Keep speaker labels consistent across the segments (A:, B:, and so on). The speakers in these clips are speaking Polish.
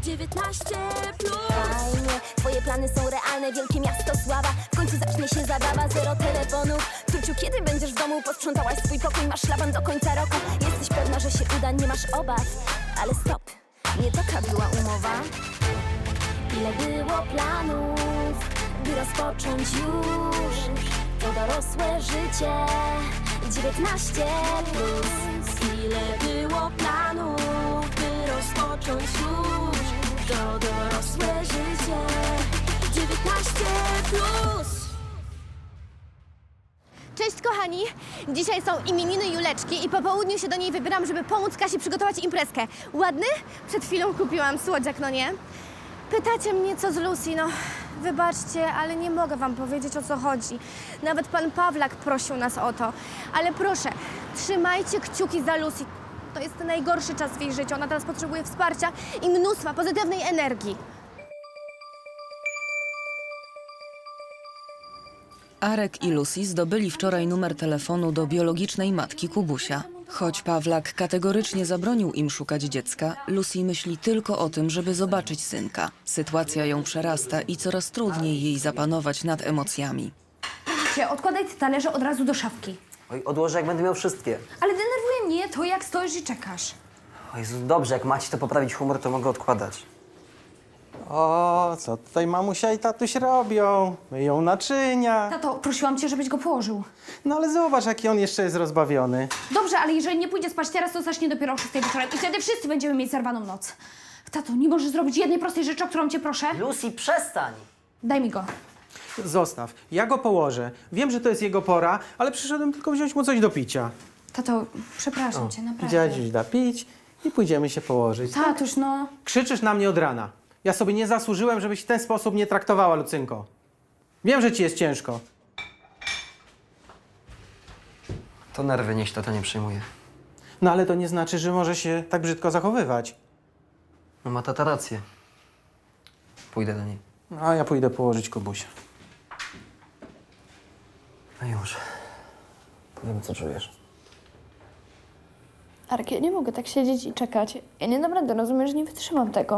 A: 19 plus. Fajnie, twoje plany są realne, wielkie miasto sława. W końcu zacznie się zabawa, zero telefonów. Tuciu, kiedy będziesz w domu? Posprzątałaś swój pokój, masz szlaban do końca roku. Jesteś pewna, że się uda, nie masz obaw. Ale stop, nie taka była umowa. Ile było planów, by rozpocząć już to dorosłe życie. 19 plus. Ile było planów, by rozpocząć już to dorosłe życie. 19 plus.
B: Cześć kochani! Dzisiaj są imieniny Juleczki i po południu się do niej wybieram, żeby pomóc Kasi przygotować imprezkę. Ładny? Przed chwilą kupiłam słodziak, no nie? Pytacie mnie, co z Lucy, no wybaczcie, ale nie mogę wam powiedzieć, o co chodzi. Nawet pan Pawlak prosił nas o to. Ale proszę, trzymajcie kciuki za Lucy. To jest najgorszy czas w jej życiu. Ona teraz potrzebuje wsparcia i mnóstwa pozytywnej energii.
C: Arek i Lucy zdobyli wczoraj numer telefonu do biologicznej matki Kubusia. Choć Pawlak kategorycznie zabronił im szukać dziecka, Lucy myśli tylko o tym, żeby zobaczyć synka. Sytuacja ją przerasta i coraz trudniej jej zapanować nad emocjami.
D: Odkładaj te talerze od razu do szafki.
E: Oj, odłożę, jak będę miał wszystkie.
D: Ale denerwuje mnie to, jak stoisz i czekasz.
E: O Jezu, dobrze, jak macie to poprawić humor, to mogę odkładać.
F: O, co tutaj mamusia i tatuś robią? Myją naczynia.
D: Tato, prosiłam cię, żebyś go położył.
F: No ale zobacz, jaki on jeszcze jest rozbawiony.
D: Dobrze, ale jeżeli nie pójdzie spać teraz, to zacznie dopiero o 6 wieczorem i wtedy wszyscy będziemy mieć zerwaną noc. Tato, nie możesz zrobić jednej prostej rzeczy, o którą cię proszę?
E: Lucy, przestań!
D: Daj mi go.
F: Zostaw, ja go położę. Wiem, że to jest jego pora, ale przyszedłem tylko wziąć mu coś do picia.
D: Tato, przepraszam cię, naprawdę.
F: Dziadziuś da pić i pójdziemy się położyć.
D: Tatuś, no.
F: Krzyczysz na mnie od rana. Ja sobie nie zasłużyłem, żebyś w ten sposób nie traktowała, Lucynko. Wiem, że ci jest ciężko.
E: To nerwy, niech się tata nie przejmuje.
F: No ale to nie znaczy, że może się tak brzydko zachowywać.
E: No ma tata rację. Pójdę do niej.
F: No, a ja pójdę położyć Kubusia.
E: No już. Powiem, co czujesz.
G: Arek, ja nie mogę tak siedzieć i czekać. Ja nie dam rady, rozumiesz, że nie wytrzymam tego.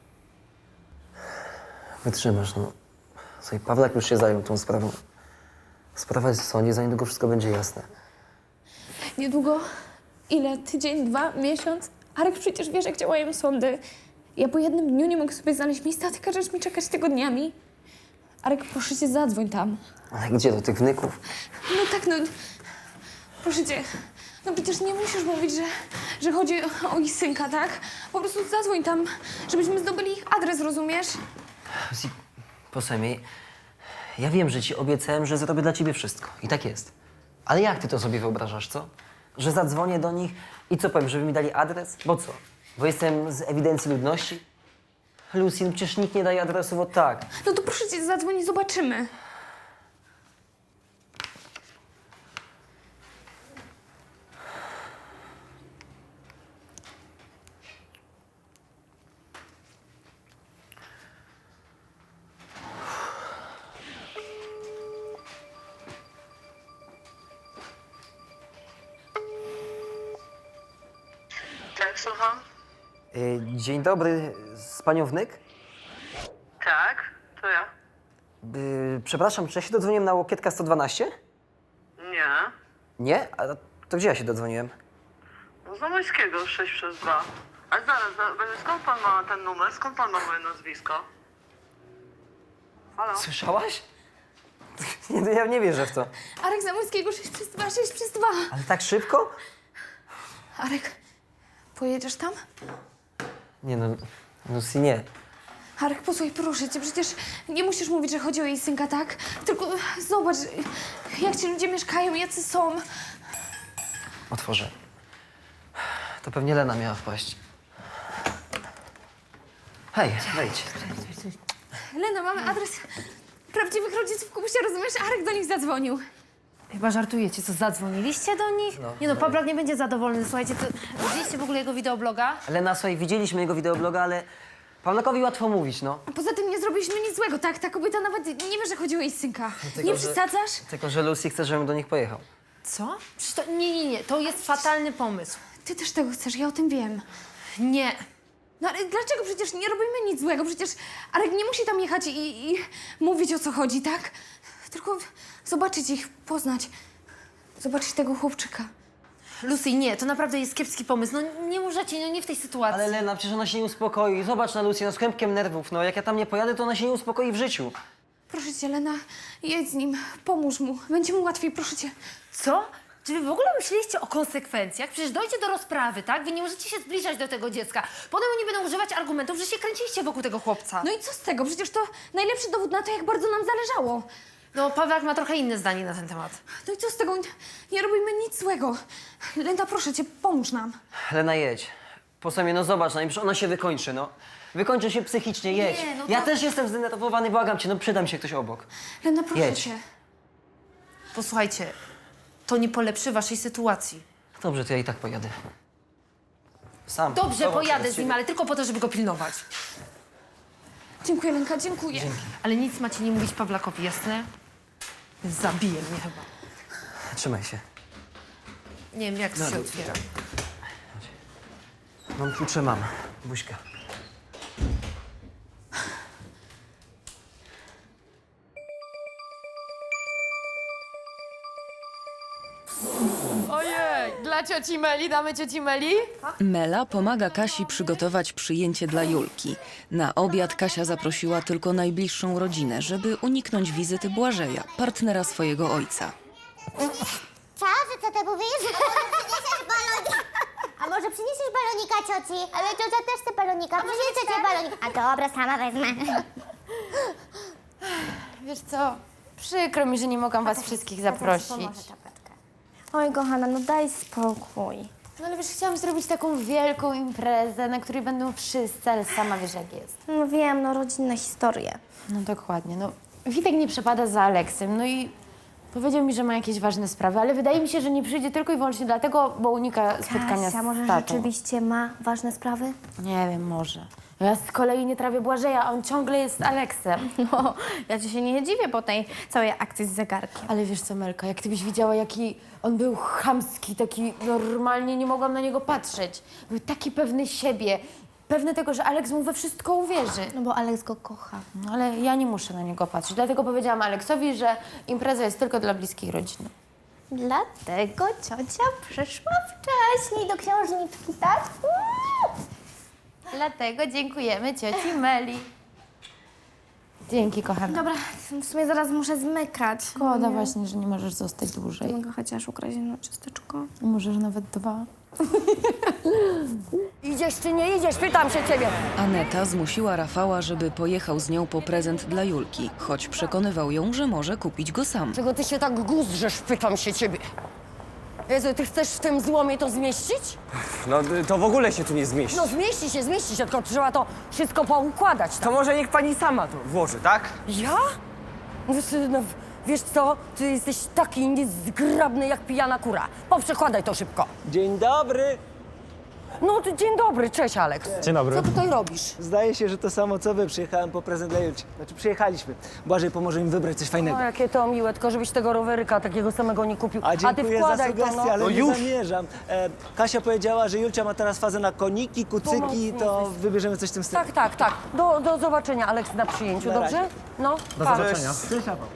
E: Wytrzymasz, no. Słuchaj, Pawlak już się zajął tą sprawą. Sprawa jest w sądzie, za niedługo wszystko będzie jasne.
G: Niedługo? Ile? Tydzień, 2, miesiąc? Arek, przecież wiesz, jak działają sądy. Ja po jednym dniu nie mogę sobie znaleźć miejsca, a ty każesz mi czekać tygodniami. Arek, proszę cię, zadzwoń tam.
E: Ale gdzie, do tych wnyków?
G: No tak, no. Proszę cię. No przecież nie musisz mówić, że chodzi o ich synka, tak? Po prostu zadzwoń tam, żebyśmy zdobyli ich adres, rozumiesz?
E: Lucy, posłuchaj, ja wiem, że ci obiecałem, że zrobię dla ciebie wszystko. I tak jest. Ale jak ty to sobie wyobrażasz, co? Że zadzwonię do nich i co powiem, żeby mi dali adres? Bo co? Bo jestem z ewidencji ludności? Lucy, no przecież nikt nie daje adresów od tak.
G: No to proszę cię, zadzwoń i zobaczymy.
H: Tak, słucham?
E: Dzień dobry, z panią wnyk?
H: Tak, to ja.
E: Przepraszam, czy ja się dodzwoniłem na Łokietka 112?
H: Nie.
E: Nie? A to gdzie ja się dodzwoniłem?
H: No Zamojskiego 6 przez 2. Ale zaraz, skąd pan ma ten numer? Skąd pan ma moje nazwisko? Halo?
E: Słyszałaś? Nie, ja nie wierzę w to.
G: Arek Zamojskiego 6 przez 2, 6 przez 2.
E: Ale tak szybko?
G: Arek, pojedziesz tam?
E: Nie no, Lucy, nie.
G: Arek, posłuchaj, proszę cię, przecież nie musisz mówić, że chodzi o jej synka, tak? Tylko zobacz, jak ci ludzie mieszkają, jacy są.
E: Otworzę. To pewnie Lena miała wpaść. Hej, wejdź.
G: Lena, mamy adres prawdziwych rodziców Kubusia, rozumiesz? Arek do nich zadzwonił.
D: Chyba żartujecie, co zadzwoniliście do nich? Nie no, Pawlak nie będzie zadowolony, słuchajcie, to widzieliście w ogóle jego wideobloga?
E: Lena, słuchaj, widzieliśmy jego wideobloga, ale Pawlakowi łatwo mówić, no.
G: A poza tym nie zrobiliśmy nic złego, tak? Ta kobieta nawet nie wie, że chodzi o jej synka.
E: tylko,
G: Nie
E: że-
G: przesadzasz?
E: Tylko, że Lucy chce, żebym do nich pojechał.
D: Co? Przecież to, nie, to jest fatalny pomysł.
G: Ty też tego chcesz, ja o tym wiem.
D: Nie. No ale dlaczego? Przecież nie robimy nic złego. Przecież Arek nie musi tam jechać i mówić, o co chodzi, tak? Tylko zobaczyć ich, poznać. Zobaczyć tego chłopczyka.
I: Lucy, nie, to naprawdę jest kiepski pomysł. No nie możecie, no nie w tej sytuacji.
E: Ale Lena, przecież ona się nie uspokoi. Zobacz na Lucy, no z kłębkiem nerwów. No jak ja tam nie pojadę, to ona się nie uspokoi w życiu.
D: Proszę cię, Lena, jedź z nim, pomóż mu. Będzie mu łatwiej, proszę cię.
I: Co? Czy wy w ogóle myśleliście o konsekwencjach? Przecież dojdzie do rozprawy, tak? Wy nie możecie się zbliżać do tego dziecka. Potem oni będą używać argumentów, że się kręciliście wokół tego chłopca.
D: No i co z tego? Przecież to najlepszy dowód na to, jak bardzo nam zależało.
I: No, Pawlak ma trochę inne zdanie na ten temat.
D: No i co z tego? Nie robimy nic złego. Lena, proszę cię, pomóż nam.
E: Lena, jedź. Po sobie, no zobacz, no i przecież ona się wykończy, no. Wykończy się psychicznie, jedź.
I: Nie, no
E: Ja
I: to-
E: też jestem zdenerwowany, błagam cię, no przyda mi się ktoś obok.
D: Lena, proszę
E: Jedź.
D: cię.
I: Posłuchajcie, to nie polepszy waszej sytuacji.
E: Dobrze, to ja i tak pojadę. Sam.
I: Dobrze,
E: Zobacz,
I: pojadę
E: teraz
I: z nim,
E: ciebie.
I: ale tylko po to, żeby go pilnować.
D: Dziękuję, Lenka, dziękuję.
I: Ale nic macie nie mówić Pawlakowi, jasne? Zabije mnie chyba.
E: Trzymaj się.
I: Nie wiem, jak to się otwiera.
E: Mam klucze, mam. Buźka.
I: Ojej, dla cioci Meli damy cioci Meli?
C: Mela pomaga Kasi przygotować przyjęcie dla Julki. Na obiad Kasia zaprosiła tylko najbliższą rodzinę, żeby uniknąć wizyty Błażeja, partnera swojego ojca.
J: Co ty mówisz? Przyniesiesz balonik. A może przyniesiesz balonika cioci? Ale ciocia też chce balonika. Przynieś ciocie balonik. A dobra, sama wezmę.
K: Wiesz co, przykro mi, że nie mogłam was wszystkich zaprosić.
B: Oj, kochana, no daj spokój.
K: No ale wiesz, chciałam zrobić taką wielką imprezę, na której będą wszyscy, ale sama wiesz jak jest.
B: No wiem, no rodzinne historie.
K: No dokładnie, no Witek nie przepada za Aleksem, no i powiedział mi, że ma jakieś ważne sprawy, ale wydaje mi się, że nie przyjdzie tylko i wyłącznie dlatego, bo unika spotkania
B: Kasia, może
K: z tatą.
B: rzeczywiście ma ważne sprawy?
K: Nie wiem, może. Ja z kolei nie trawię Błażeja, a on ciągle jest z Aleksem.
B: No, ja ci się nie dziwię po tej całej akcji z zegarkiem.
K: Ale wiesz co, Melka, jak ty byś widziała, jaki on był chamski, taki normalnie nie mogłam na niego patrzeć. Był taki pewny siebie, pewny tego, że Aleks mu we wszystko uwierzy.
B: No bo Aleks go kocha.
K: No ale ja nie muszę na niego patrzeć, dlatego powiedziałam Aleksowi, że impreza jest tylko dla bliskiej rodziny.
B: Dlatego ciocia przyszła wcześniej do księżniczki, tak?
K: Dlatego dziękujemy cioci Meli. Dzięki, kochana.
B: Dobra, w sumie zaraz muszę zmykać.
K: Szkoda właśnie, że nie możesz zostać dłużej.
B: Mogę chociaż ukraść jedno ciasteczko?
K: Możesz nawet dwa.
L: Idziesz czy nie idziesz? Pytam się ciebie.
C: Aneta zmusiła Rafała, żeby pojechał z nią po prezent dla Julki, choć przekonywał ją, że może kupić go sam.
L: Czego ty się tak guzrzesz? Pytam się ciebie. Jezu, ty chcesz w tym złomie to zmieścić?
M: No to w ogóle się tu nie zmieści.
L: No zmieści się, tylko trzeba to wszystko poukładać. Tak?
M: To może niech pani sama to włoży, tak?
L: Ja? No, wiesz co? Ty jesteś taki niezgrabny jak pijana kura. Poprzekładaj to szybko.
M: Dzień dobry.
L: No to dzień dobry, cześć Aleks.
M: Dzień dobry.
L: Co tutaj robisz?
N: Zdaje się, że to samo co wy. Przyjechałem po prezent dla Julci. Znaczy przyjechaliśmy. Błażej pomoże im wybrać coś fajnego.
L: O, jakie to miłe, tylko żebyś tego roweryka takiego samego nie kupił.
N: A
L: ty
N: dziękuję za
L: wkładaj
N: sugestie,
L: to, no.
N: ale
M: No
N: nie
M: już.
N: zamierzam. Kasia powiedziała, że Julcia ma teraz fazę na koniki, kucyki,
L: Pomocny
N: to
L: jesteś.
N: wybierzemy coś w tym stylu.
L: Tak. Do zobaczenia, Aleks, na przyjęciu,
N: Na razie.
L: dobrze? No,
M: Do
L: pa.
M: zobaczenia.
N: Cześć, Rafał.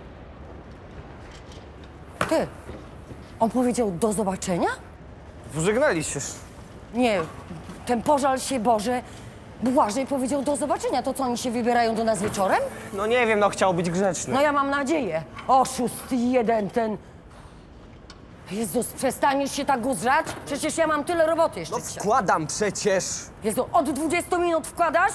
L: Ty, on powiedział do zobaczenia?
M: Pożegnaliście się.
L: Nie, ten pożal się Boże. Błażej powiedział do zobaczenia. To co, oni się wybierają do nas wieczorem?
M: No nie wiem, no chciał być grzeczny.
L: No ja mam nadzieję. Oszust jeden ten. Jezus, przestaniesz się tak guzrzać? Przecież ja mam tyle roboty jeszcze dzisiaj.
M: Wkładam przecież.
L: Jezu, od 20 minut wkładasz?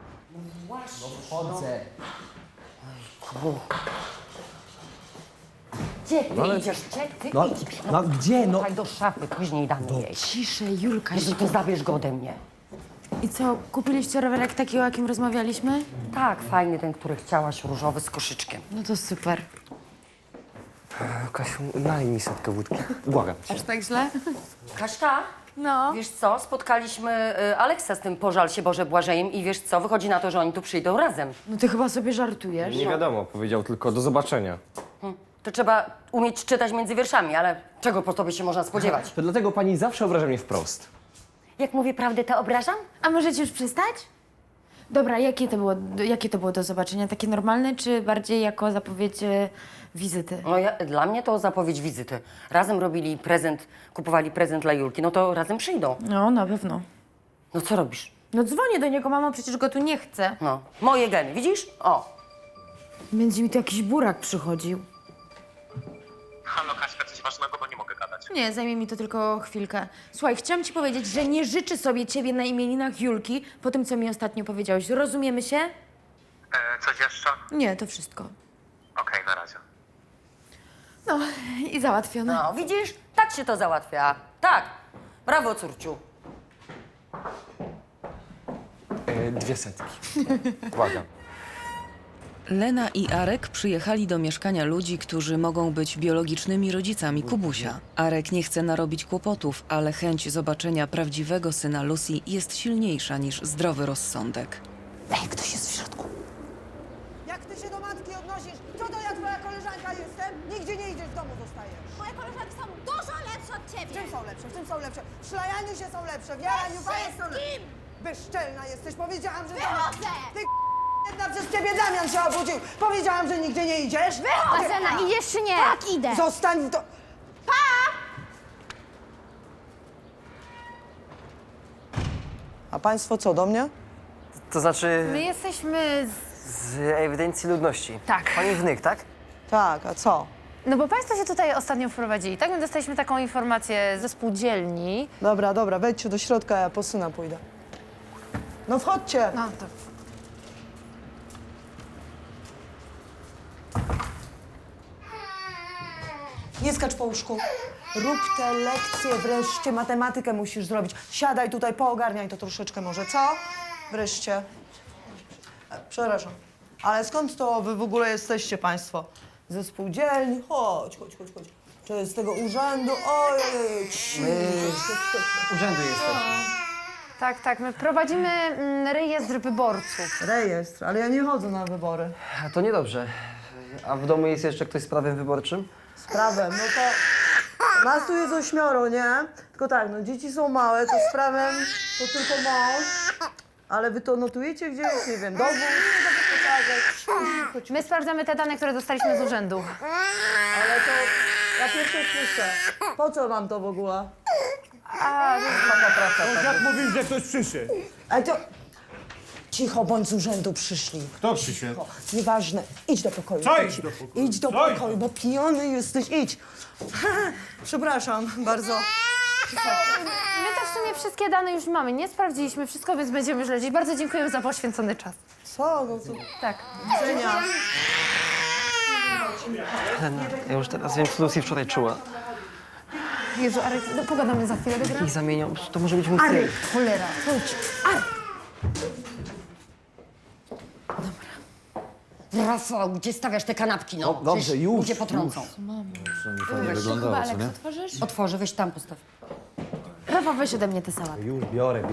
L: Gdzie ty idziesz? Gdzie ty idziesz?
N: No gdzie? No
L: Słuchaj, do szafy, później damy jej.
K: Ciszej, Julka.
L: Jezu, to zabierz go ode mnie.
K: I co, kupiliście rowerek taki, o jakim rozmawialiśmy?
L: Tak, fajny ten, który chciałaś, różowy z koszyczkiem.
K: No to super.
M: Kasiu, nalej mi setkę wódki. Błagam cię.
K: Aż tak źle?
L: Kaśka,
K: No.
L: wiesz co, spotkaliśmy Aleksa z tym pożal się Boże Błażejem i wiesz co, wychodzi na to, że oni tu przyjdą razem.
K: No ty chyba sobie żartujesz.
M: Nie wiadomo, powiedział tylko do zobaczenia.
L: To trzeba umieć czytać między wierszami, ale czego po tobie się można spodziewać?
M: To dlatego pani zawsze obraża mnie wprost.
L: Jak mówię prawdę, to obrażam?
K: A możecie już przestać? Dobra, jakie to było do zobaczenia? Takie normalne, czy bardziej jako zapowiedź wizyty?
L: No dla mnie to zapowiedź wizyty. Razem robili prezent, kupowali prezent dla Julki, no to razem przyjdą.
K: No, na pewno.
L: No co robisz?
K: No dzwonię do niego, mamo, przecież go tu nie chcę.
L: No, moje geny, widzisz? O.
K: Będzie mi tu jakiś burak przychodził.
M: Halo, Kaśka, coś ważnego, bo nie mogę gadać.
K: Nie, zajmie mi to tylko chwilkę. Słuchaj, chciałam ci powiedzieć, że nie życzę sobie ciebie na imieninach Julki po tym, co mi ostatnio powiedziałeś. Rozumiemy się?
M: Coś jeszcze?
K: Nie, to wszystko.
M: Okej, na razie.
K: No i załatwione.
L: No, widzisz? Tak się to załatwia. Tak. Brawo, córciu.
M: 200. Błagam.
C: Lena i Arek przyjechali do mieszkania ludzi, którzy mogą być biologicznymi rodzicami Kubusia. Arek nie chce narobić kłopotów, ale chęć zobaczenia prawdziwego syna Lucy jest silniejsza niż zdrowy rozsądek.
K: Ej, ktoś jest w środku.
O: Jak ty się do matki odnosisz? Co to ja twoja koleżanka jestem? Nigdzie nie idziesz, w domu zostajesz.
J: Moje koleżanki są dużo lepsze od
O: W
J: ciebie.
O: czym są lepsze? W czym są lepsze? W szlajaniu się są lepsze, w jaraniu są lepsze. Bezczelna jesteś, powiedziałam, że...
J: Wychodzę!
O: Ty jedna przez ciebie Damian się obudził. Powiedziałam, że nigdzie nie idziesz.
B: Marzena, idziesz czy nie?
J: Tak, idę.
O: Zostań to... A państwo co, do mnie?
E: To znaczy
I: My jesteśmy
E: z ewidencji ludności.
I: Tak.
E: Pani wnyk, tak?
O: Tak, a co?
I: No bo państwo się tutaj ostatnio wprowadzili, tak? My dostaliśmy taką informację ze spółdzielni.
O: Dobra, dobra, wejdźcie do środka, ja po syna pójdę. No wchodźcie.
I: No to...
O: Nie skacz po łóżku. Rób te lekcje wreszcie, matematykę musisz zrobić. Siadaj tutaj, poogarniaj to troszeczkę może, co? Wreszcie. Przepraszam, ale skąd to wy w ogóle jesteście państwo? Ze spółdzielni? Chodź. Czy z tego urzędu? Ojej,
E: Urzędu jesteśmy.
I: Tak, my prowadzimy rejestr wyborców.
O: Rejestr, ale ja nie chodzę na wybory.
E: A to niedobrze. A w domu jest jeszcze ktoś z prawem wyborczym?
O: Z prawem, no to... Nas tu jest 8, nie? Tylko tak, no dzieci są małe, to z prawem to tylko mąż. Ale wy to notujecie gdzieś, nie wiem, dowód,
I: My sprawdzamy te dane, które dostaliśmy z urzędu.
O: ale to ja pierwsze słyszę. Po co wam to w ogóle?
M: Jak mówisz, że ktoś przyszedł?
O: Ale to... Cicho, bądź z urzędu przyszli.
M: Kto przyszedł?
O: O, nieważne, idź do pokoju.
M: Co idź do pokoju?
O: Idź do
M: Co idź
O: pokoju, bo pijany jesteś, idź. Przepraszam bardzo.
I: My też w sumie wszystkie dane już mamy, nie sprawdziliśmy wszystko, więc będziemy śledzić. Bardzo dziękujemy za poświęcony czas.
O: Co? No to...
I: Tak.
O: Żenia.
E: Lena, ja już teraz wiem, co Lucy wczoraj czuła.
I: Jezu, Arek, no, pogadamy za chwilę, dobra?
E: Ich zamienią, to może być mój syn.
K: Cholera, chodź.
L: Rafał, gdzie stawiasz te kanapki, no?
M: dobrze,
L: Przecież
M: już,
L: ludzie potrącą.
M: Fajnie wyglądało, co nie?
L: Otworzę, weź tam postaw.
K: Rafa, weź ode mnie tę sałatę.
M: Już, biorę.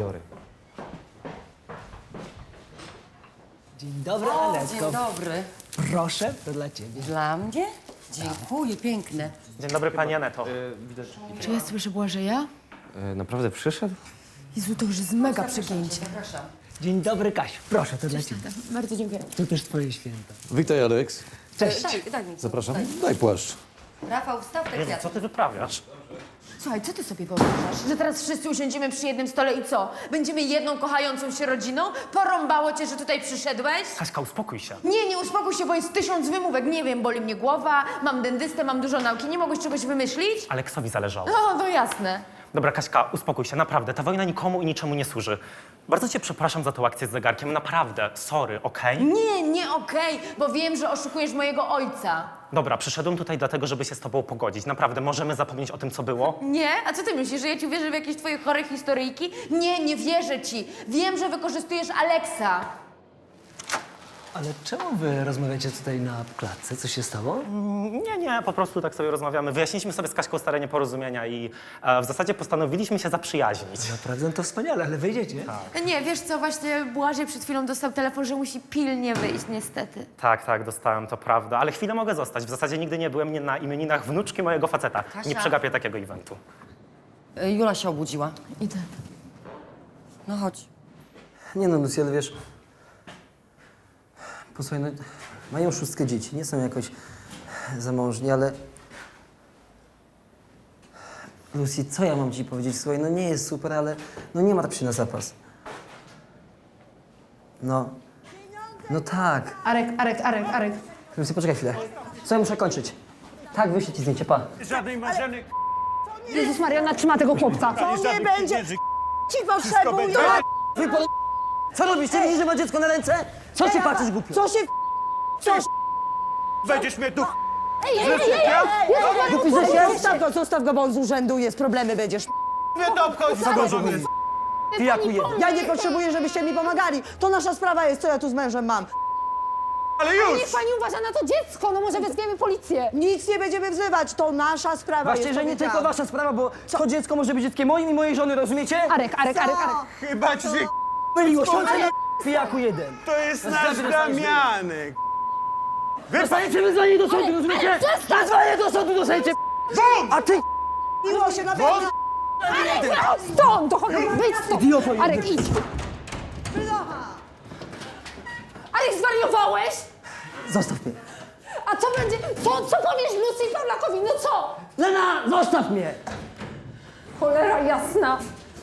N: Dzień dobry,
L: O,
N: Alecko.
L: dzień dobry.
N: Proszę, to dla ciebie.
L: Dla mnie? Dziękuję, piękne.
M: Dzień dobry, pani Aneto.
K: Czy ja słyszę Błażeja?
M: Naprawdę przyszedł?
K: Jezu, to już jest mega przegięcie.
N: Dzień dobry, Kasiu. Proszę, to dla ciebie.
K: Bardzo dziękuję.
N: To też twoje święta.
P: Witaj, Aleks.
N: Cześć.
L: Daj mi.
P: Zapraszam. Daj płaszcz.
L: Rafał, wstaw te kwiaty.
M: ty wyprawiasz?
K: Słuchaj, co ty sobie wyobrażasz? Że teraz wszyscy usiądziemy przy jednym stole i co? Będziemy jedną kochającą się rodziną? Porąbało cię, że tutaj przyszedłeś?
M: Kaśka, uspokój się.
K: Nie uspokój się, bo jest 1000 wymówek. Nie wiem, boli mnie głowa, mam dentystę, mam dużo nauki. Nie mogłeś czegoś wymyślić?
M: Aleksowi zależało.
K: No jasne.
M: Dobra, Kaśka, uspokój się, naprawdę. Ta wojna nikomu i niczemu nie służy. Bardzo cię przepraszam za tą akcję z zegarkiem, naprawdę. Sorry, okej?
K: Nie okej, bo wiem, że oszukujesz mojego ojca.
M: Dobra, przyszedłem tutaj dlatego, żeby się z tobą pogodzić. Naprawdę, możemy zapomnieć o tym, co było?
K: Nie? A co ty myślisz, że ja ci wierzę w jakieś twoje chore historyjki? Nie wierzę ci. Wiem, że wykorzystujesz Aleksa.
N: Ale czemu wy rozmawiacie tutaj na klatce? Co się stało?
M: Nie, po prostu tak sobie rozmawiamy. Wyjaśniliśmy sobie z Kaśką stare nieporozumienia i w zasadzie postanowiliśmy się zaprzyjaźnić.
N: Naprawdę to wspaniale, ale wyjdziecie?
K: Nie, wiesz co, właśnie Błażej przed chwilą dostał telefon, że musi pilnie wyjść, niestety.
M: Tak, dostałem, to prawda. Ale chwilę mogę zostać. W zasadzie nigdy nie byłem na imieninach wnuczki mojego faceta.
L: Kasia.
M: Nie przegapię takiego eventu.
L: Jula się obudziła.
K: Idę.
C: No chodź.
E: Nie no, Lucy, ale wiesz... Posłuchaj, no, mają 6 dzieci, nie są jakoś zamożni, ale... Lucy, co ja mam ci powiedzieć? Słuchaj, no nie jest super, ale no nie martw się na zapas. No. No tak.
I: Arek.
E: Lucy, poczekaj chwilę. Słuchaj, muszę kończyć. Tak, wyślę ci zdjęcie, pa.
Q: Żadnej marzeny.
I: Jezus Maria, ona trzyma tego chłopca.
Q: To nie będzie.
O: Ci potrzebują!
E: Co robisz? Ty widzisz, że ma dziecko na ręce? Co się patrzysz, głupio?
O: Co się...
Q: Będziesz mnie tu...
O: Zostaw go, bo on z urzędu jest, problemy będziesz.
Q: Nie to obchodzi. Zagrożony.
E: Pijakuję.
O: Ja nie potrzebuję, żebyście mi pomagali. To nasza sprawa jest, co ja tu z mężem mam.
Q: Ale już!
I: Niech pani uważa na to dziecko, no może wezwiemy policję.
O: Nic nie będziemy wzywać, to nasza sprawa
E: Właśnie,
O: jest,
E: że nie
O: powiedziałam.
E: tylko wasza sprawa, bo to dziecko może być dzieckiem moim i mojej żony, rozumiecie?
I: Arek.
Q: Chyba ci się...
E: Myliło się, pijaku jeden.
Q: To jest nasz Damianek.
E: Dostaniecie wyzwanie do sądu, rozumiecie? Wezwanie do sądu dostaniecie. A ty...
O: Miło się naprawdę...
I: Stąd, to chodź, wyjdź stąd.
E: Idioto,
I: Arek, idź. Arek, zwariowałeś?
E: Zostaw mnie.
I: A co będzie, co powiesz Lucy i Pawlakowi, no co?
E: Lena, zostaw mnie!
I: Cholera jasna.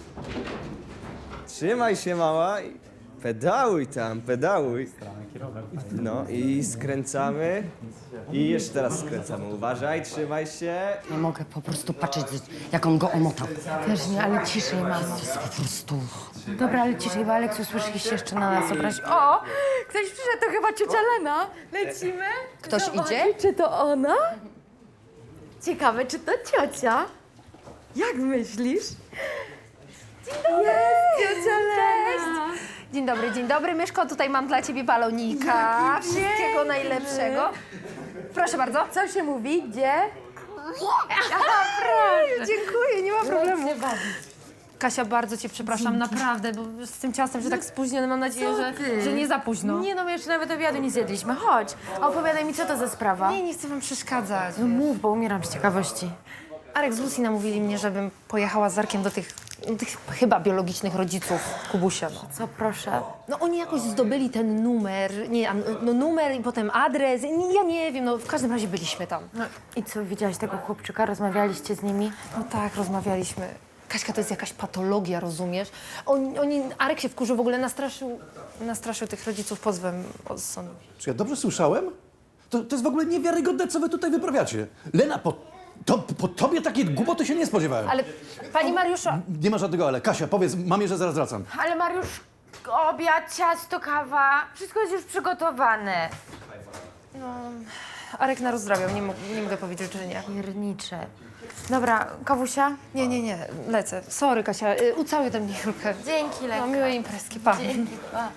R: Trzymaj się, mała. Pedałuj tam, pedałuj. No i skręcamy. I jeszcze teraz skręcamy. Uważaj, trzymaj się.
L: Nie mogę po prostu patrzeć, jak on go omotał.
K: Też nie, ale ciszej, mamo.
L: Po prostu...
K: Dobra, ale ciszej, bo Aleks usłyszy się jeszcze na nas obrazi. O! Ktoś przyszedł, to chyba ciocia Lena. Lecimy?
L: Ktoś idzie?
K: Czy to ona? Ciekawe, czy to ciocia? Jak myślisz? Dzień dobry! Ciocia Lena!
I: Dzień dobry. Myszko, tutaj mam dla ciebie balonika. Wszystkiego najlepszego. Proszę bardzo.
K: Co się mówi? Gdzie?
I: Dziękuję, nie ma problemu. Kasia, bardzo cię przepraszam, naprawdę, bo z tym ciastem, że tak spóźnione, mam nadzieję, że nie za późno.
K: Nie no, my jeszcze nawet obiadu nie zjedliśmy. Chodź, a opowiadaj mi, co to za sprawa.
I: Nie chcę wam przeszkadzać.
K: No mów, bo umieram z ciekawości.
I: Arek z Lucy namówili mnie, żebym pojechała z Arkiem do tych chyba biologicznych rodziców Kubusia. No.
K: Co, proszę?
I: No oni jakoś zdobyli ten numer, numer i potem adres, ja nie wiem, no w każdym razie byliśmy tam.
K: No i co, widziałaś tego chłopczyka? Rozmawialiście z nimi?
I: No tak, rozmawialiśmy. Kaśka, to jest jakaś patologia, rozumiesz? Arek się wkurzył, w ogóle nastraszył tych rodziców pozwem od sądu.
P: Czy ja dobrze słyszałem? To jest w ogóle niewiarygodne, co wy tutaj wyprawiacie. Lena, po tobie takie głupoty się nie spodziewałem.
I: Ale pani Mariusza...
P: Nie ma żadnego ale. Kasia, powiedz mamie, że zaraz wracam.
K: Ale Mariusz, obiad, ciasto, kawa, wszystko jest już przygotowane.
I: No, Arek narozdrabiał, nie mogę powiedzieć, że nie.
K: Piernicze. Dobra, kawusia?
I: Nie, lecę. Sorry, Kasia, ucałuj do mnie Julkę.
K: Dzięki, Lenka.
I: No, miłej imprezki, pa.
K: Dzięki, pa.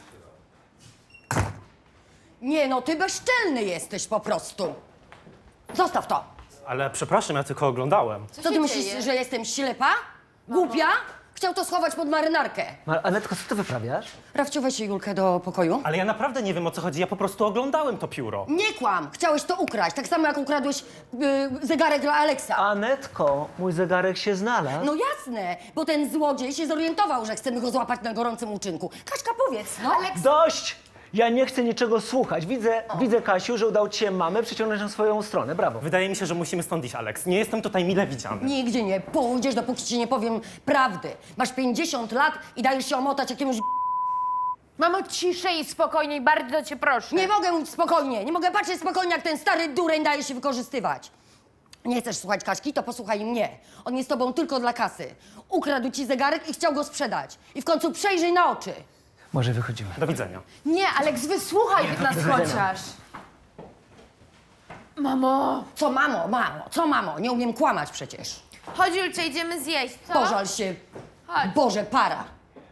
L: Nie no, ty bezczelny jesteś po prostu. Zostaw to.
M: Ale przepraszam, ja tylko oglądałem.
L: Co ty myślisz, że jestem ślepa? Głupia? Chciał to schować pod marynarkę.
E: Anetko, co ty wyprawiasz?
L: Rafciu, weź Julkę do pokoju.
M: Ale ja naprawdę nie wiem, o co chodzi, ja po prostu oglądałem to pióro.
L: Nie kłam! Chciałeś to ukraść, tak samo jak ukradłeś zegarek dla Aleksa.
E: Anetko, mój zegarek się znalazł.
L: No jasne, bo ten złodziej się zorientował, że chcemy go złapać na gorącym uczynku. Kaśka, powiedz, no.
E: Dość! Ja nie chcę niczego słuchać. Widzę, Kasiu, że udało ci się mamę przyciągnąć na swoją stronę. Brawo.
M: Wydaje mi się, że musimy stąd iść, Aleks. Nie jestem tutaj mile widziany.
L: Nigdzie nie pójdziesz, dopóki ci nie powiem prawdy. Masz 50 lat i dajesz się omotać jakiemuś...
K: Mamo, ciszej i spokojniej, bardzo cię proszę.
L: Nie mogę mówić spokojnie, nie mogę patrzeć spokojnie, jak ten stary dureń daje się wykorzystywać. Nie chcesz słuchać Kaśki, to posłuchaj mnie. On jest tobą tylko dla kasy. Ukradł ci zegarek i chciał go sprzedać. I w końcu przejrzyj na oczy.
E: Może wychodzimy.
M: Do widzenia.
K: Nie, Aleks, wysłuchaj nas chociaż. Mamo.
L: Co mamo? Nie umiem kłamać przecież.
K: Chodź, Julcze, idziemy zjeść, co?
L: Pożal się.
K: Chodź.
L: Boże, para.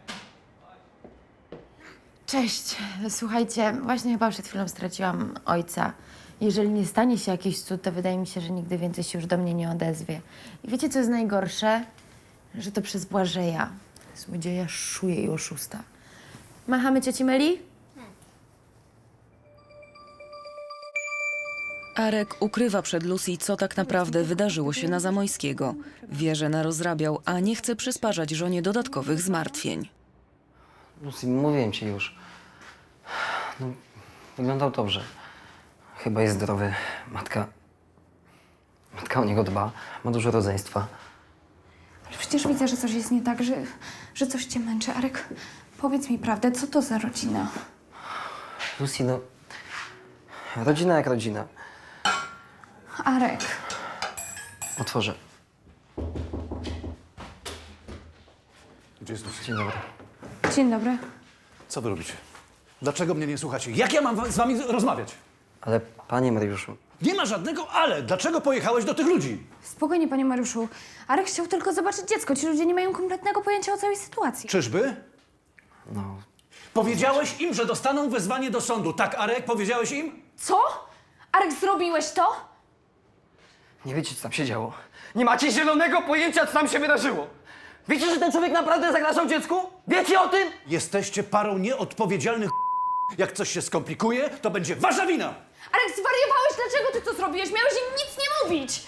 K: Cześć. Słuchajcie, właśnie chyba przed chwilą straciłam ojca. Jeżeli nie stanie się jakiś cud, to wydaje mi się, że nigdy więcej się już do mnie nie odezwie. I wiecie, co jest najgorsze? Że to przez Błażeja. Złodzieja, szuje i oszusta. Machamy cioci Meli?
C: Arek ukrywa przed Lucy, co tak naprawdę wydarzyło się na Zamojskiego. Wie, że narozrabiał, a nie chce przysparzać żonie dodatkowych zmartwień.
E: Lucy, mówiłem ci już. No, wyglądał dobrze. Chyba jest zdrowy. Matka o niego dba. Ma dużo rodzeństwa.
D: Ale przecież widzę, że coś jest nie tak, że coś cię męczy. Arek, powiedz mi prawdę, co to za rodzina?
E: Lucy, no... Rodzina jak rodzina.
D: Arek.
E: Otworzę.
P: Gdzie jest Lucy?
E: Dzień dobry.
D: Dzień dobry.
P: Co wy robicie? Dlaczego mnie nie słuchacie? Jak ja mam z wami rozmawiać?
E: Ale panie Mariuszu...
P: Nie ma żadnego ale. Dlaczego pojechałeś do tych ludzi?
D: Spokojnie, panie Mariuszu. Arek chciał tylko zobaczyć dziecko. Ci ludzie nie mają kompletnego pojęcia o całej sytuacji.
P: Czyżby?
E: No...
P: Powiedziałeś im, że dostaną wezwanie do sądu. Tak, Arek? Powiedziałeś im?
D: Co? Arek, zrobiłeś to?
E: Nie wiecie, co tam się działo. Nie macie zielonego pojęcia, co tam się wydarzyło. Wiecie, że ten człowiek naprawdę zagrażał dziecku? Wiecie o tym?
P: Jesteście parą nieodpowiedzialnych. Jak coś się skomplikuje, to będzie wasza wina.
D: Arek, zwariowałeś? Dlaczego ty to zrobiłeś? Miałeś im nic nie mówić!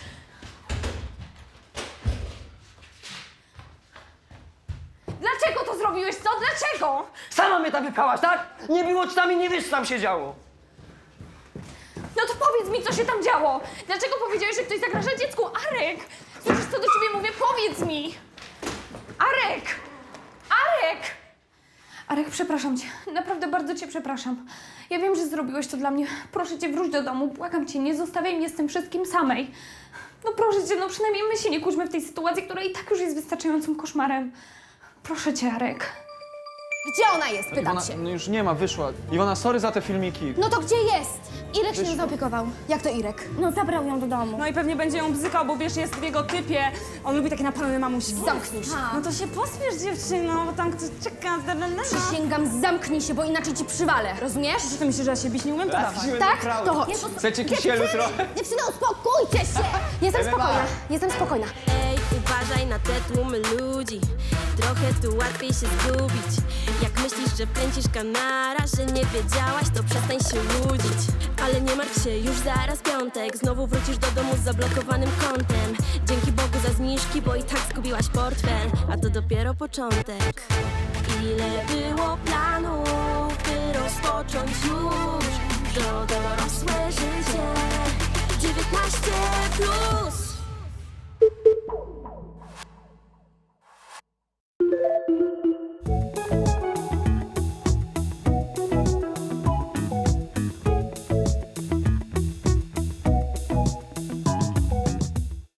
D: Dlaczego to zrobiłeś, co? Dlaczego?
E: Sama mnie tam wypchałaś, tak? Nie było ci tam i nie wiesz, co tam się działo.
D: No to powiedz mi, co się tam działo! Dlaczego powiedziałeś, że ktoś zagraża dziecku? Arek! Słyszysz, co do ciebie mówię? Powiedz mi! Arek! Arek! Arek, przepraszam cię. Naprawdę bardzo cię przepraszam. Ja wiem, że zrobiłeś to dla mnie. Proszę cię, wróć do domu. Błagam cię, nie zostawiaj mnie z tym wszystkim samej. No proszę cię, no przynajmniej my się nie kłóćmy w tej sytuacji, która i tak już jest wystarczającym koszmarem. Proszę cię, Arek.
B: Gdzie ona jest, pytam
S: Iwona,
B: się.
S: no już nie ma, wyszła. Iwona, sorry za te filmiki.
B: No to gdzie jest? Irek się nią zaopiekował. Jak to Irek? No zabrał ją do domu.
T: No i pewnie będzie ją bzykał, bo wiesz, jest w jego typie. On lubi takie napalone mamusi.
B: Zamknij się.
T: No to się pospiesz, dziewczyno, bo tam ktoś czeka.
B: Przysięgam, zamknij się, bo inaczej ci przywalę, rozumiesz?
T: Czy ty myślisz, że ja się bić nie umiem? To dawaj.
B: Tak? To chodź.
S: Chcecie kisielu trochę?
B: Dziewczyny, uspokójcie się! Jestem spokojna, jestem spokojna.
A: Ej, uważaj na te tłumy ludzi. Trochę tu łatwiej się zgubić. Jak myślisz, że kręcisz kanara, że nie wiedziałaś, to przestań się łudzić. Ale nie martw się, już zaraz piątek. Znowu wrócisz do domu z zablokowanym kontem. Dzięki Bogu za zniżki, bo i tak zgubiłaś portfel. A to dopiero początek. Ile było planów, by rozpocząć już to dorosłe życie. 19+.